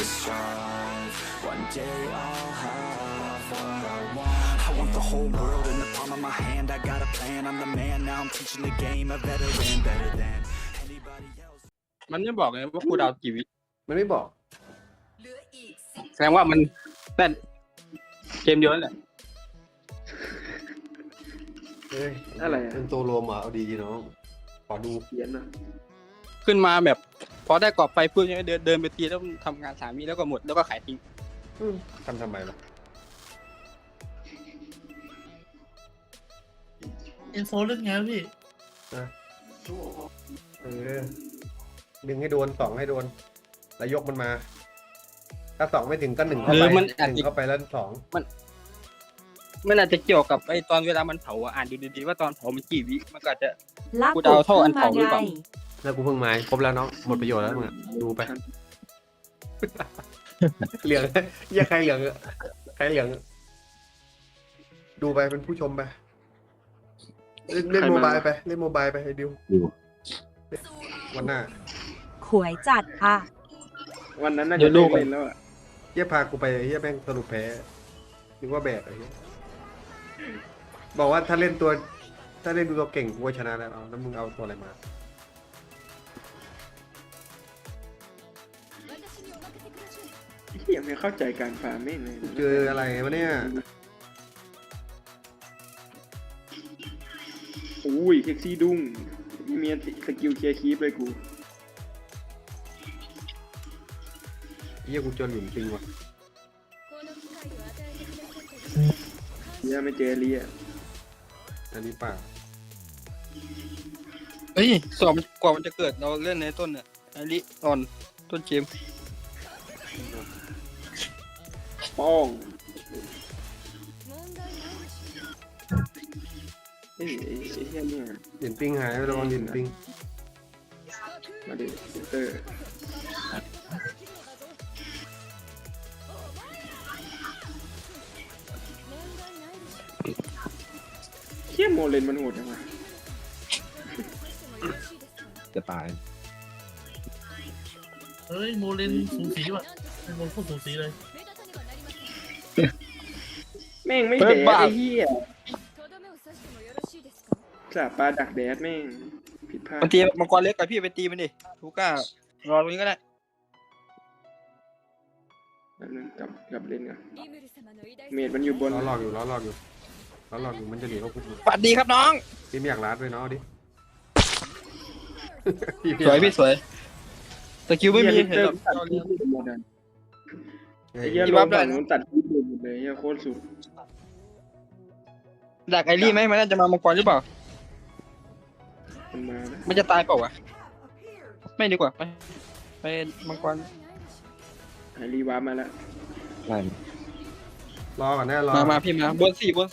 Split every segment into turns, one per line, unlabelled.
to strive. One day I'll have what I want. I want the whole world in the palm of my hand. I got a plan, I'm the man. Now I'm teaching the game, a veteran, better than anybody else.
มันไม่บอกเลยว่ากูดาวกี่วิ
มันไม่บอก
แสดงว่ามันนั่นเกมเดียวนั่นแหละ
เฮ้ย
อะไรอะ
เป็นตัวรวมเหรอเอาดีน้องขอดู
เขียนอ่ะ
ขึ้นมาแบบพอได้กรอบไฟปุ๊บเนี่ยเดินไปตีแล้วทำงาน3 วิแล้วก็หมดแล้วก็ขายทิ้ง
ทำไมล่ะ
อินโฟเล่นไงวะพี่
เออดึงให้โดนสองให้โดนแล้วยกมันมา ถ้าสองไม่ถึงก็หนึ่งเข้าไปหนึ่งเข้าไปแล้วสอง
มันอาจจะเกี่ยวกับไอ้ตอนเวลามันเผาอ่านดูดีๆว่าตอนเผามันกี่วิมันก็อาจจะ
ลัก
กูเดาเท่าอันเผาหรือเปล่า
แล้วกูเพิ่งมาครบแล้วน้องหมดประโยชน์แล้วมึงอะดูไป เหลืองเยี่ยใครเหลืองอะใครเหลืองอะดูไปเป็นผู้ชมไปเล่นโมบายไปเล่นโมบายไปไอ้ดิววันหน้า
ขวยจัดอ่ะ
วันนั้นน่าจะได้เล่นแล้วอ่ะ
เยี่ยพากูไปเยี่ยแม่งสรุปแพ้นึกว่าแบกไอ้เหี้ยบอกว่าถ้าเล่นตัวเก่งกูก็ชนะแล้วเอาแล้วมึงเอาตัวอะไรมา
เฮียไม่เข้าใจการฟาร์มแม่งเลย
เจออะไรวะเนี่ย
อุ้ยเซ็กซี่ดุ้งมีสกิลเคลียร์คีปเลยกู
เยี่ยกูเจอหลุมจริงว่ะ
เฮียไม่เจอเลีย
อันนี้เปล่า
เฮ้ยสอบกว่ามันจะเกิดเราเล่นในต้นเนี่ยไอริออนต้นเกม
ป้องเฮ้ยไอ้เฮียเนี่ย
เหรียญปิงหายไปแล้วเหรียญปิง
มาดิเตอร์เฮียโมเลนมันโหดจังวะ
จะตาย
เฮ้ยโมเลนสูสีว่ะเป็นโมโคตรสูสีเลย
แม่งไม่แดดไอ้เฮียสาปลาดักแดดแม่งผิดพลาด
มันตีมังกรเล็กกับพี่ไปตีมันดิทูก้ารอตรงนี้ก็ได้
แล้วนึงกลับเล่นกันเมดมันอยู่บน
ล้อหลอกอยู่มันจะหนีเข้าคุก
สวัสดีครับน้อง
พี่ไม่อยากรัดด้วยเนาะเอาดิ
สวยพี่สวยสกิลไม่มี
เฮีย
เห็น
เตอ
หร
ร์
อก
ตัดคลิปหมดอ่ะ
เฮ้
ไอ้
ย
เฮีย
ที่
ล
วั
ง
บได้
ฝั่งนู้นตัดคลิปหมดเลยเฮียโคตรสุด
ดักไอรี่ไหมมันน่าจะมามังกรหรือเปล่า
มันมานะ
มันจะตายเปล่าวะไม่ดีกว่าไปมังกร
ไอรีวาร์ปมาแล้ว
รอก่อนแน่รอ
มาพี่มาบนสี่บน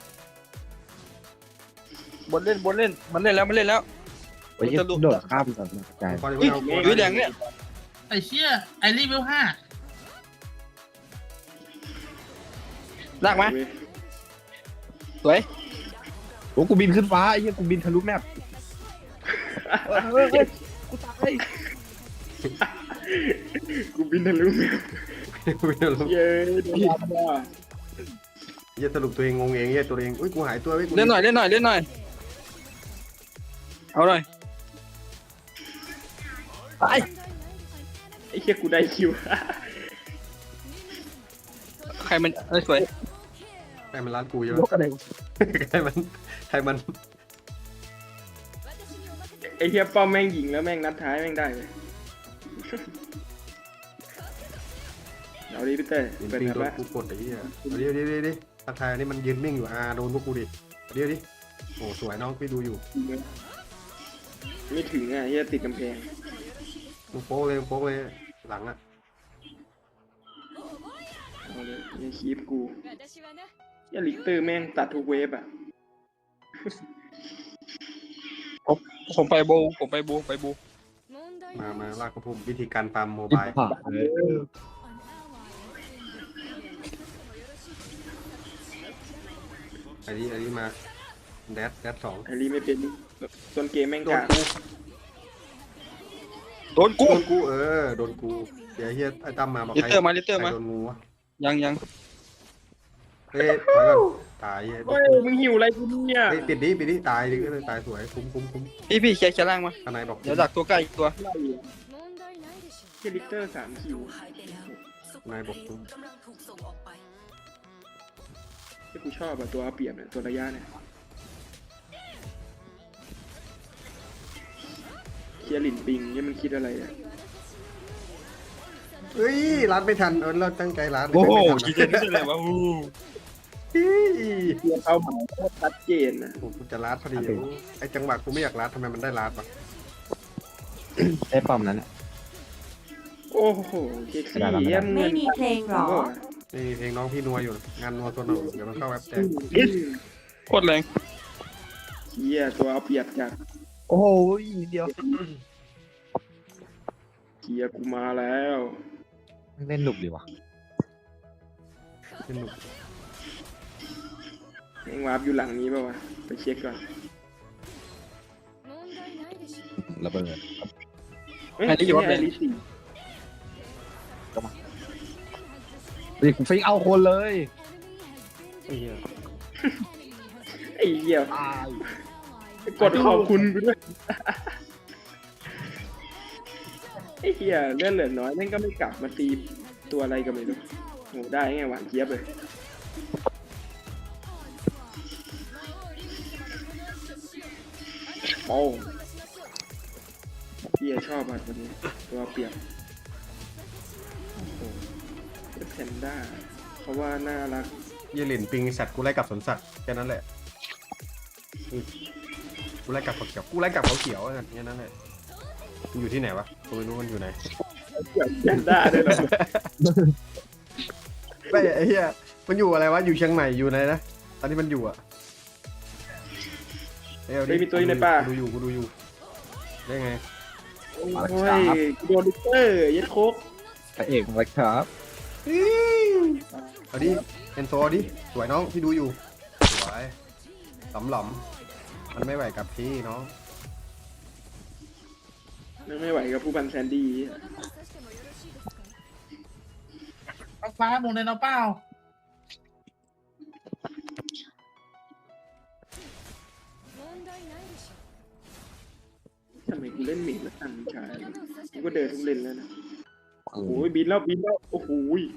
เล่นมันเล่นแล้ว
โอ้ยโดดข้ามก่อนนะกาย
ก่อนจะ
อุ้ย
เอา
อุ้ยแดงเนี่ย
ไอ้เชี่ยไอรีเวล5
ลากไหม
เว้ย
สวย
โอ้กูบินขึ้นฟ้าไอ้เหี้ยกูบินทะลุแมปกูตาย
กูบินทะลุแมว
ไม่เอาลูก
เย้โดนรับว่ะ
เยี่ยสรุปตัวเองงงเองเยี่ยตัวเองอุ้ยกูหายตัวไว้กู
เล่นหน่อยเอาหน่อยตาย
ไอ้เฮียกูได้คิว
ใครมันสวย
ใครมันรัดกูใช่ไหม
ยกอะไร
ใครมัน
ไอ้เฮียป้อมแม่งยิงแล้วแม่งนัดท้ายแม่งได้เลยเอาดิพี่เต้
เหรียญ
เปิด
ปิง
แมป
โดน
ละ
กูกดไอ้เหี้ยเอาดิทักทายนี่มันยืนนิ่งอยู่โดนพวกกูดิเอาดิโอ้สวยน้องพี่ดูอยู่
ไม่ถึงอ่ะเฮียติดกำแพง
มึงโป๊กเลยหลังอ่ะ
เอาเลยเฮียคีปกูเฮียลิกเตอร์แม่งตัดทุกเวฟอ่ะ
ผมไปบู
มาลากกระพุ่มวิธีการฟาร์มโม
อิ
บาย
ผ่า
อันนี้มาแดดสอง
ไอรีไม่เป็นต้นเกมแม่ง
โด
กาน ก
กู
โดนกู
โดนกูเดี๋ยวเฮียไอ้ตั้มมาบอก
ลิ
ใคร
เตอร์มาลิเตอร์
ใคร
มา
โดนงูวะ
ยัง
เฮ้ยถอยก่อนตายเฮ้ย
เฮ้ยมึงหิวอะไรกูเนี่ย
เฮ้ยปิดดิตายดิก็เลยตายสวยคุ้ม
พี่เคลียร์ล่างมา
ข้างในบอก
เดี๋ยวดักตัวใกล้อีกตัว
แค่ลิกเตอร์3 คิว
ข้างในบอกคุ้ม
ที่กูชอบอะตัวเอาเปรียบเนี่ยตัวระยะเนี่ยเคลียร์หลินปิงเนี่ยมันคิดอะไรอะ
เฮ้ยรัดไม่ทันเราตั้งใจรัด
โอ้โห
ไม่
คิด
ทัน
จะนี่อะไรวะ
เฮ้ย
เคลียร์เป้าหมายโคตรชัดเจนนะ
กูจะรัดพอดีไอ้จังหวะกูไม่อยากรัดทำไมมันได้รัดวะ
ได้ป้อมนั้นอะ
โอ้โหเซ็กซี่เยี่ยม
ไม่มีเพลงหรอ
นี่เพลงน้องพี่นัวอยู่งานนัวตัวหนึ่งเดี๋ยวมันเข้าแอปแจ้ง
โคตรแรง
เฮียตัวเอาเปรียบจาก
โอ้โหนิดเดียว
เฮียกูมาแล้ว
เล่นหนุกดีว่ะ
สนุก
แมงวาร์ปอยู่หลังนี้ป่าวะไปเช็คก่อน
ระเบิด
เฮ้ยไอ้ลิซี่
ดิกูฟิกเอาคนเลย
ไอ้เหี้ย
ไอ้เหี้ย
ตาย
กดขอบคุณกูด้วยไอ้เหี้ยเลื่อนเหลือน้อยแม่งก็ไม่กลับมาตีตัวอะไรก็ไม่รู้โหได้ไงหวานเจี๊ยบเลยโอ้เหี้ยชอบอ่ะตัวนี้ตัวเปรียบโอ้โหแพนด้าเพราะว่าน่ารัก
เยลินปิงสัตว์กูไล่กลับสวนสัตว์แค่นั้นแหละกูไล่กลับเขาเขียวกูไล่กลับเขาเขียวแค่นั้นแหละมันอยู่ที่ไหนวะกูไม่รู้มันอยู่ไหน
แพนด้าด้วยเหรอ
ไม่ไอ้เหี้ยมันอยู่อะไรวะอยู่เชียงใหม่อยู่ไหนนะตอนที่มันอยู่อะเอ้ย
เฮ้ยมีตัวอยู่ในป่า
กูดูอยู่ได้ไง
โอ้ยโดนลิเตอร์ยัดโคก
พระเอกมาแล้วครับ
เอาดิเอ็นโซเอาดิสวยน้องที่ดูอยู่สวยหลอมมันไม่ไหวกับพี่น้อง
ไม่ไหวกับผู้บันแซนดี้
ฟ้าโมงในเอาเปล่า
ทำไมกูเล่นเมดแล้วตั้งชายกูก็เดินทุกเลนแล้วนะโอ้ยบินแล้วโอ้โห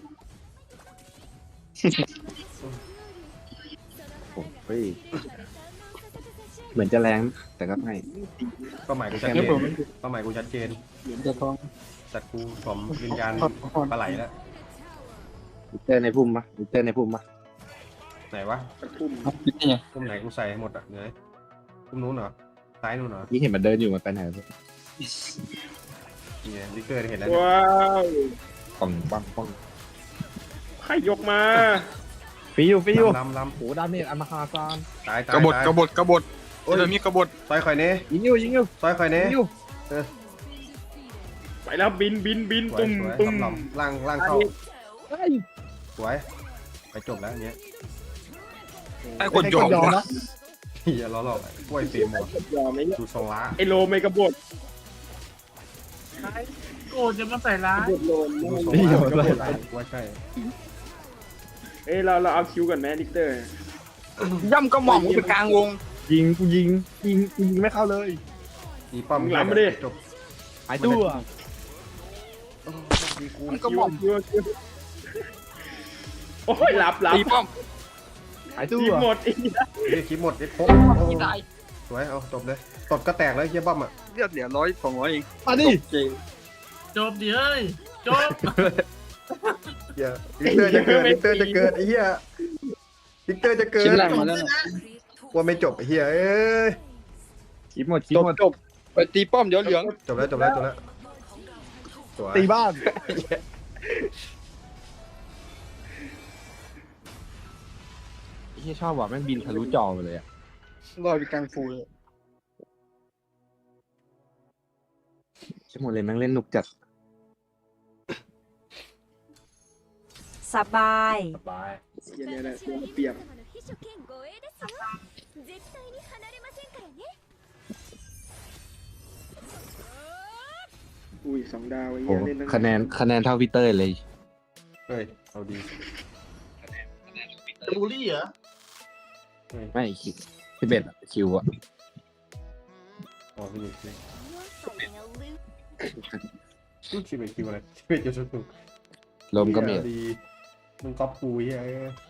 เฮ้ยเหมือนจะแรงแต่ก็ไม่
เป้าหมายกูชัดเจนเป้าหมายกูชัดเจน
เหรียญจะทอง
จัดกูสมวิญญาณปลาไหลแล้ว
ลิเตอร์ในพุ่มปะลิเตอร์ในพุ่มปะ
ไหนวะ
ตะคุ่ม
นี่ไง
พุ่มไหนกูใส่ให้หมดอ่ะเดี๋ยวพุ่มนู้นเหรอซ้ายนู้นเหรอ
ยิ่งเห็นมันเดินอยู่มันไปไหนวะ
นี่ไงลิเกอร์เห็นแล้วเนี่ย
ว้าว
ป่องปังปัง
ใครยกมา
ฟิว
ลำ
โหดาเมจอันมหาศาล
ตาย
กบฏ
ตาย
กบฏกบฏโอ้ยมีกบฏ
ซอยข่อยเน่
ยิงอยู่
ซอยข่อยเน่
ยิงอยู่
ไปแล้วบิน
สวย
ตุ้ม
สวย
ตุ้ม
ลำๆล่างเข้า
เฮ้ย
สวยไปจบแล้วอันเนี้ย
ไอ้คนยอม
นะ
เฮียล้อหลอกกล้วยเฟรมหมด
ยอมไหมเนี่ย
ดูทรงล้า
ไอโลไม่กระบด
โกรธจะมาใส่ร้าย
กระบดโลน
ดูทรงล้ามันก็ปวดไหล่กูว่าใช่
เอ้ยเราเอาคิวก่อนแม่ลิกเตอร์
ย่ำกระหม่อมไปกลางวง
ยิงไม่เข้าเลย
อีป้อม
หลังมาดิ
จบ
หายตัว
ดีกู
กระหม่อม
คิวโอ้ยหลับ
ตีป้อม
หายตัว
ทีมหมดอีก
เรียกคลิปหมดเรียกครบ
ที่ตาย
สวยเอาจบเลยตบก็แตกเลยเฮียป้อมอ่ะ
เลือดเหลือ100-200เอง
มาดิ
จริง
จบดิเฮ้ยจบ
เฮียลิกเตอร์จะเกิดไอ้เฮียลิกเตอร์จะเกิด
ชิ้นแรกมาแล้วนะ
ว่าไม่จบไอ้เฮียเอ้ย
คิดหมด
จบไปตีป้อมเดี๋ยวเหลือง
จบแล้วสวย
ตีบ้านที่ชอบว่ะแม่งบินทะลุจอไปเลยอะ
ลอยไปกลางฟูเลย
ชั่วโมงเลยแม่งเล่นหนุกจัด
สบาย
สบาย
เฮียเนี่ยแหละตัวเปรียบกูอุ้ย2 ดาวไอ้
โอ้
เหี้ยเล่นตั้ง
คะแนนเท่าพี่เต้ยเลย
เฮ้ยเอาดี
จะบูลลี่เหรอ
ไม่คิว11อะคิวอะ
อ๋อพี่ลูก11คิวอะไร11จะสุด
ลมก็เมด
ดีมึงก๊อปกูเฮ้ย